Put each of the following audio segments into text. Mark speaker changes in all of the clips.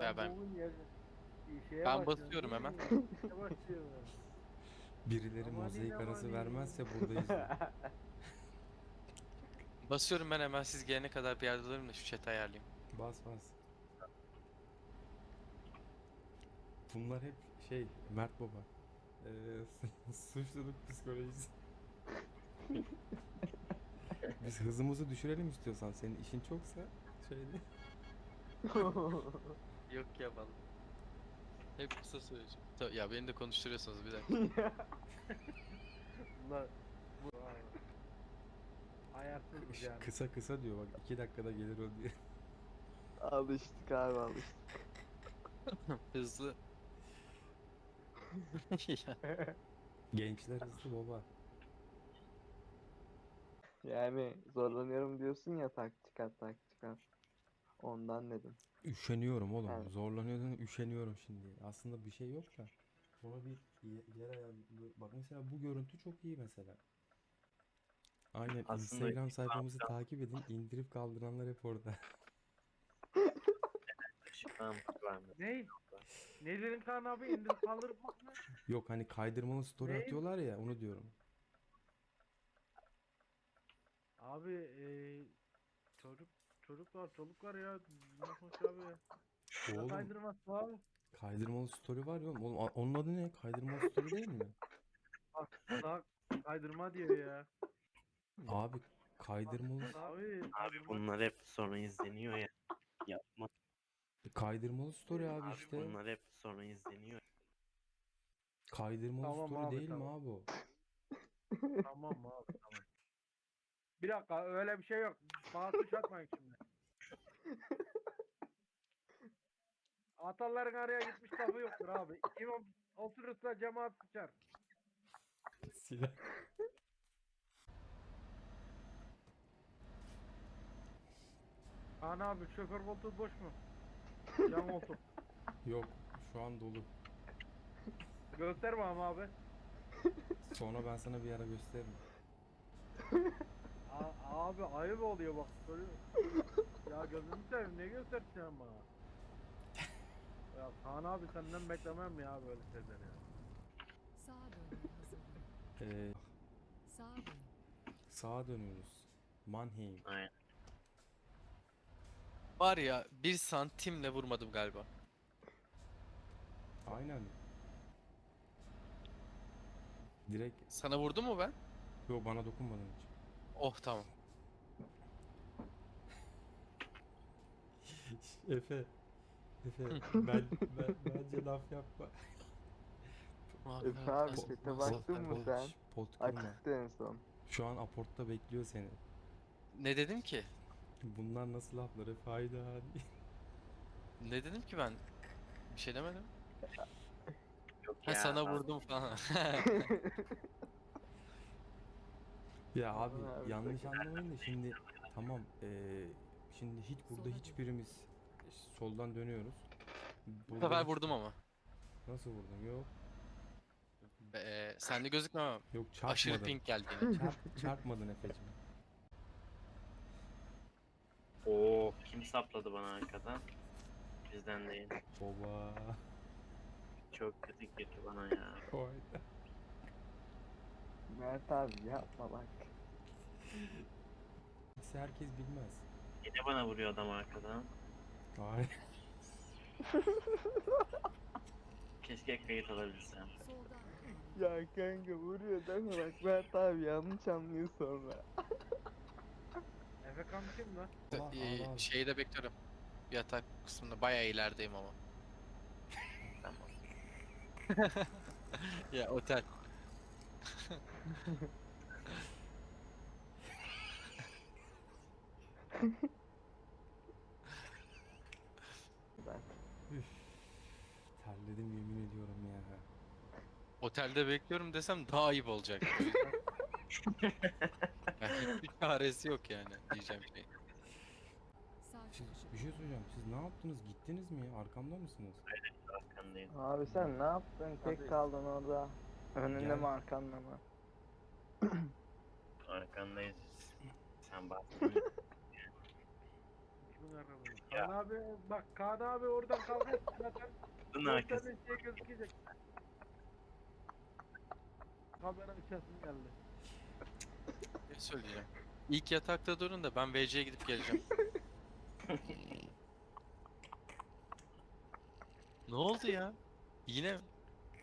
Speaker 1: Ya ben
Speaker 2: olunca şeye
Speaker 1: ben
Speaker 2: başlıyorsun
Speaker 1: basıyorum
Speaker 2: değil
Speaker 1: hemen.
Speaker 2: mi? İşe başlıyorsun.
Speaker 3: Birileri
Speaker 2: Amanin
Speaker 3: mozaik arası
Speaker 2: amanin.
Speaker 3: vermezse buradayız diyor.
Speaker 1: Basıyorum ben hemen, siz gelene kadar bir yerde durayım da şu chat'i ayarlayayım.
Speaker 3: Bas bas. Bunlar hep şey Mert Baba. Suçluluk psikolojisi. Biz hızımızı düşürelim istiyorsan. Senin işin çoksa şeyde.
Speaker 1: Yok ya vallahi. Hep kısa söyleyeceğim. Ya beni de konuşturuyorsunuz bir dakika.
Speaker 2: Bunlar bu abi. Ayarsızız yani.
Speaker 3: Kısa kısa diyor bak 2 dakikada gelir o diye.
Speaker 4: Alıştık abi alıştık.
Speaker 1: Hızlı. Ya,
Speaker 3: Gençler hızlı baba.
Speaker 4: Yani zorlanıyorum diyorsun ya taktik at taktik at. Ondan dedim.
Speaker 3: Üşeniyorum oğlum.
Speaker 4: Yani
Speaker 3: Zorlanıyordum, üşeniyorum şimdi. Aslında bir şey yok da. Sonra bir yer ayarlı. Bak mesela bu görüntü çok iyi mesela. Aynen
Speaker 5: Aslında
Speaker 3: Instagram sayfamızı takip edin. İndirip kaldıranlar hep orada.
Speaker 5: ışıklanmış var mı?
Speaker 2: Ne? Nelerin Kaan abi indirip kaldırıp bak ne?
Speaker 3: Yok hani kaydırmalı story
Speaker 2: Ne?
Speaker 3: atıyorlar ya onu diyorum.
Speaker 2: Abi çocuk var ya. Ne konuş abi? Ne
Speaker 3: Oğlum
Speaker 2: kaydırması abi?
Speaker 3: kaydırmalı story var ya oğlum. Oğlum onun adı ne? Kaydırmalı story değil mi?
Speaker 2: Bak kaydırma diyor ya.
Speaker 3: Abi kaydırmalı
Speaker 2: Abi
Speaker 5: Abi
Speaker 2: kaydırma.
Speaker 5: bunlar hep sonra izleniyor ya. Yapma.
Speaker 3: kaydırmalı story abi
Speaker 5: Abi
Speaker 3: işte.
Speaker 5: bunlar hep sonra izleniyor.
Speaker 3: Kaydırmalı
Speaker 2: Tamam
Speaker 3: story
Speaker 2: abi
Speaker 3: değil mi
Speaker 2: tamam.
Speaker 3: abi o?
Speaker 2: Tamam abi tamam. Bir dakika öyle bir şey yok. Bana suç atmayın şimdi. Ataların araya gitmiş lafı yoktur abi. İmam oturursa cemaat sıçar.
Speaker 3: Silah.
Speaker 2: Kaan abi şoför koltuğu boş mu? Yan koltuk.
Speaker 3: Yok şu an dolu.
Speaker 2: Gösterme ama abi.
Speaker 3: Sonra ben sana bir ara gösteririm.
Speaker 2: Abi ayıp oluyor bak. Ya gözünü seveyim ne göstereceğim bana? Ya Kaan abi senden beklemem ya böyle şeyler ya.
Speaker 6: Sağa dönmeye hazırlanın.
Speaker 3: Ee,
Speaker 6: Sağa dönün.
Speaker 3: sağa dönüyoruz. Mannheim.
Speaker 5: Aynen.
Speaker 1: var ya, bir santimle vurmadım galiba.
Speaker 3: Aynen. Direkt
Speaker 1: Sana vurdu mu ben?
Speaker 3: yo bana dokunmadın hiç.
Speaker 1: Oh tamam.
Speaker 3: Efe. Efe bence laf yapma.
Speaker 4: Efe abi chat'e baktın mı sen?
Speaker 3: Pot kırma.
Speaker 4: Açıktı en son.
Speaker 3: Şu an aportta bekliyor seni.
Speaker 1: Ne dedim ki?
Speaker 3: Bunlar nasıl laflar Efe hayda.
Speaker 1: Ne dedim ki ben? Bir şey demedim.
Speaker 5: Yok
Speaker 1: Ha,
Speaker 5: ya.
Speaker 1: sana vurdum falan.
Speaker 3: Ya abi
Speaker 4: Aman abi,
Speaker 3: yanlış
Speaker 4: sakın.
Speaker 3: anlamayın da şimdi tamam şimdi hiç burada
Speaker 6: Sola
Speaker 3: hiçbirimiz soldan dönüyoruz.
Speaker 1: Bu
Speaker 3: Burada
Speaker 1: sefer
Speaker 3: hiç-
Speaker 1: vurdum ama.
Speaker 3: Nasıl vurdun? Yok.
Speaker 1: Sende gözükmem ama.
Speaker 3: Yok
Speaker 1: Aşırı
Speaker 3: çarpmadın.
Speaker 1: ping geldi yine.
Speaker 3: Çarpmadın Efe'cim.
Speaker 5: Oo, kim sapladı bana arkadan? Bizden değil.
Speaker 3: Baba.
Speaker 5: Çok kötü girdi bana ya.
Speaker 3: Hayda.
Speaker 4: Mert abi yapma bak.
Speaker 3: Herkes bilmez.
Speaker 5: Yine bana vuruyor adam arkadan.
Speaker 3: Hayır.
Speaker 5: Keşke kayıt alabilsem.
Speaker 6: Soldan.
Speaker 4: Ya kanka vuruyor deme bak Mert abi yanlış anlıyor sonra.
Speaker 2: Efekan kim lan?
Speaker 3: Allah.
Speaker 1: Şeyde bekliyorum. Yatak kısmında bayağı ilerideyim ama.
Speaker 5: Tamam.
Speaker 1: Ya otel.
Speaker 4: Ben.
Speaker 3: Üf. Terledim yemin ediyorum ya.
Speaker 1: Otelde bekliyorum desem daha ayıp olacak. Yani hiçbir çaresi yok yani diyeceğim şey.
Speaker 6: Sağ
Speaker 3: Siz,
Speaker 6: çıkışı.
Speaker 3: bir şey söyleyeceğim. Siz ne yaptınız? Gittiniz mi ya? Arkamda mısınız?
Speaker 5: Arkandayım.
Speaker 4: Abi sen ne yaptın? Tek
Speaker 2: Abi-
Speaker 4: kaldın orada. Önünde
Speaker 3: Gel.
Speaker 4: mi arkanda mı?
Speaker 5: Arkandayız. Sen bastın.
Speaker 2: yarabını.
Speaker 5: Ya.
Speaker 2: Kaan abi bak Kaan abi oradan kalkıyor zaten.
Speaker 5: Bunun
Speaker 2: Dört
Speaker 5: arkası.
Speaker 2: tane şey gözükecek. Kamera açasım geldi.
Speaker 1: Ne söyleyeceğim? İlk yatakta durun da ben VC'ye gidip geleceğim. Ne oldu ya? Yine mi?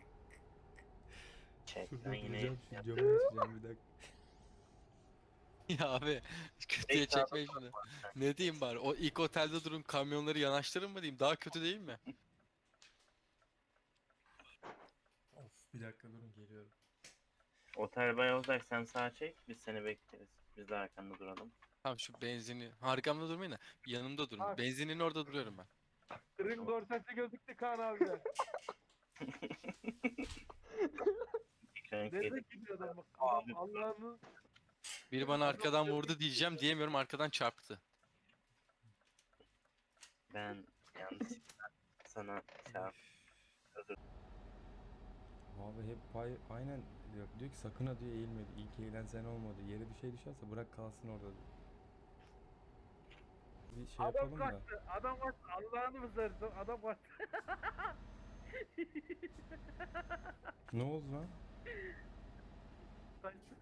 Speaker 5: Çek
Speaker 3: Şurada
Speaker 5: lan yine.
Speaker 3: duracağım şu camı açacağım bir dakika.
Speaker 1: Ya abi kötüye
Speaker 5: Tek sağda
Speaker 1: çekmeyin şunu. Ne diyeyim bari? O ilk otelde durun kamyonları yanaştırın mı diyeyim? Daha kötü değil mi?
Speaker 3: Of bir dakika durun geliyorum.
Speaker 5: Otel bay olacak, sen sağa çek, biz seni bekleriz. Biz de arkanda duralım.
Speaker 1: Tamam şu benzini. Arkamda durmayın da yanımda durun.
Speaker 2: Bak.
Speaker 1: Benzinin orada duruyorum ben.
Speaker 2: Tırın dorsesi gözüktü Kaan abide.
Speaker 5: Ekran
Speaker 2: Nerede
Speaker 5: yedik.
Speaker 2: gidiyor adam bak.
Speaker 5: Abi.
Speaker 2: Adam Allah'ını
Speaker 1: Biri bana arkadan vurdu diyeceğim diyemiyorum arkadan çarptı.
Speaker 5: Ben yanlışlıkla sana çarp.
Speaker 3: Abi hep aynen diyor ki sakın ha diyor eğilmedi. İlk eğilen sen olmadı. Yere bir şey düşerse bırak kalsın orada diyor. Bir şey
Speaker 2: adam
Speaker 3: yapalım da.
Speaker 2: kaçtı. Adam kaçtı. Allah'ını mı seversen adam kaçtı.
Speaker 3: Ne oldu lan?
Speaker 2: Kaçtı.